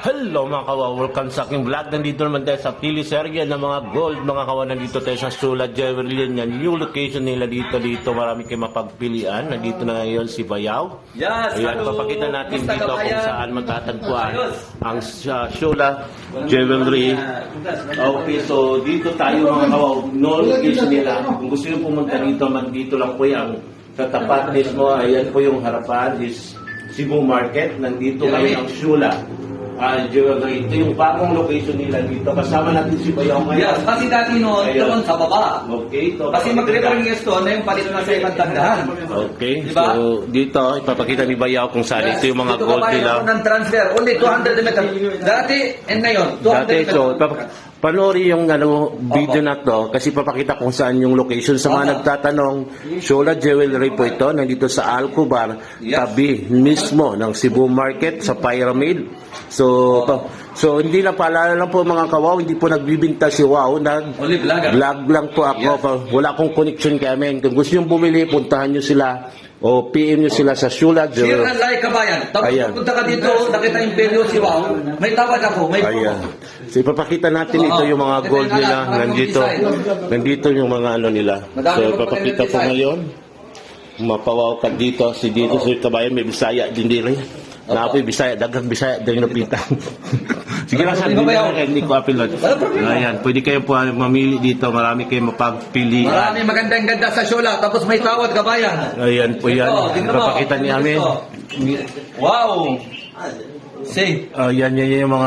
Hello mga kawa, welcome sa aking vlog. Nandito naman tayo sa Pili Sergio ng mga gold. Mga kawa, nandito tayo sa Sula Jewelry. Yan, new location nila dito. Marami kayong mapagpilian. Nandito na ngayon si Bayaw. Yes, ayan, papakita natin dito kung saan matatagpuan ang Sula Jewelry. Okay, so dito tayo mga kawa, no location nila. Kung gusto nyo pumunta dito, dito lang po yan. Sa tapat mismo, ayan po yung harapan is Cebu Market. Nandito ngayon ang Sula Jewelry. Ito yung bagong location nila dito. Kasama natin si Bayaw ngayon. Yes, kasi dati noon, doon sa baba. Okay. So, kasi mag-referring yes doon na yung palito na sa ibang tagdahan. Okay. Diba? So, dito, ipapakita ni Bayaw kung saan ito yung mga dito gold nila. Dito ng transfer. Only 200 meters. Dati, and ngayon, 200 Dati, meters. so, panoorin yung video na to kasi papakita kung saan yung location. Sa mga nagtatanong, Sula Jewelry po ito. Nandito sa Alcobar, tabi mismo ng Cebu Market sa Pyramid. So hindi lang paalala lang po mga kawaw, hindi po nagbibinta si Wow. Only vlogger. Vlog lang po ako. Wala akong connection kami. Kung gusto nyo bumili, puntahan nyo sila o PM nyo sila sa Sula Jewelry. Share and like kabayan. Tapos pupunta ka dito, nakita yung video si Wow. May tawad ako, may ayan. So ipapakita natin ito yung mga gold nila. Nandito yung mga ano nila. So ipapakita ko ngayon. Mapawaw ka dito. Si dito si kabayan may Bisaya din diri. Napoy Bisaya, dagang Bisaya din napitang. Sige lang, sabi hindi ko apilot. Ayan, pwede kayo po mamili dito. Marami kayong mapagpilian. Marami magandang-ganda sa Sula. Tapos may tawad kabayan. Ayan po yan. Ipapakita ni amin. Wow! See? Ayan, yan yung mga...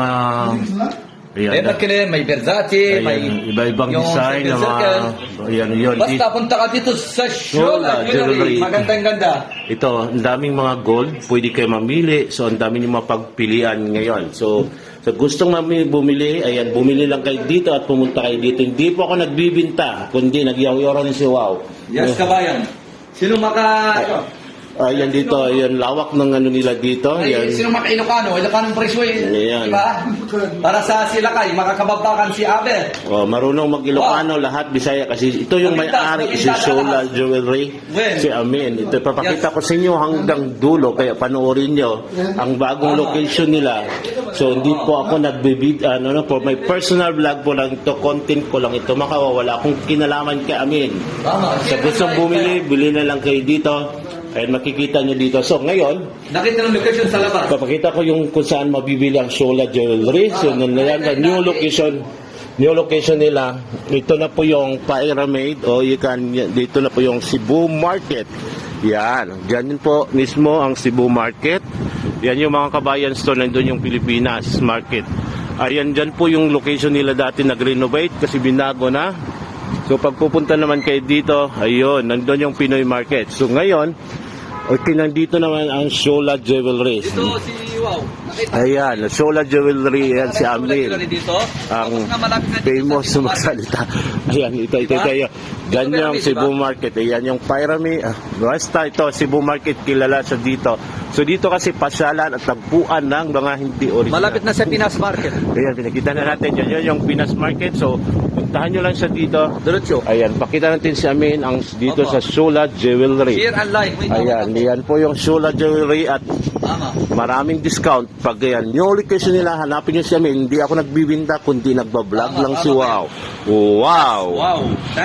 Ayan, may Versace, may iba-ibang design na mga... Ayan, yun. Basta punta ka dito sa Sula Jewelry. Magandang-ganda. Ito, ang daming mga gold. Pwede kayo mamili. So, ang daming yung mapagpilian ngayon. So gustong bumili, ayan, bumili lang kayo dito at pumunta kayo dito. Hindi po ako nagbibinta, kundi nagyaw-yaw si Wow. Yes, kabayan. Sino Ayan dito, ayan, lawak ng ano nila dito. Ayan. Sino maka-Ilocano? Ilocanong presyo Ayan. Diba? Para sa Silakay, makakababakan si Abel. Marunong mag-Ilocano, lahat Bisaya. Kasi ito yung may-ari, si Sula Jewelry, si Amin. Ito, papakita ko sa inyo hanggang dulo, kaya panoorin nyo ang bagong location nila. So, hindi po ako nagbibid, for my personal vlog po lang ito, content ko lang ito. Makawawala akong kinalaman kay Amin. Sa gustong bumili, bili na lang kayo dito. Ayan, makikita nyo dito. So, ngayon, nakita ng location sa labas. papakita ko yung kung saan mabibili ang Sula Jewelry. So, new location nila. Ito na po yung Pyramid o dito na po yung Cebu Market. Yan. Diyan po mismo ang Cebu Market. Yan yung mga kabayan store. Nandun yung Pilipinas Market. Ayan, dyan po yung location nila dati nag-renovate kasi binago na. So, pag pupunta naman kayo dito, ayun, nandun yung Pinoy Market. So, ngayon, nandito naman ang Sula Jewelry. Dito si Wow. Ayan, Sula Jewelry, yan si Amir. Ang famous sumasalita. Ayan, ito. Yan yung Cebu Market. Ayan yung Pyramid. Basta ito, Cebu Market, kilala sa dito. So dito kasi pasyalan at tagpuan ng mga hindi original. Malapit na sa Pinas Market. Ayan, pinakita na natin. Yan yung Pinas Market. So, puntahan nyo lang siya dito. Diretso. Ayan, pakita natin si Amin ang dito sa Sula Jewelry. Share and like. Ayan, yan po yung Sula Jewelry at maraming discount. Pag yan, new location nila, hanapin nyo si Amin. Hindi ako nagbibinta, kundi nagbablog lang si Wow. Wow!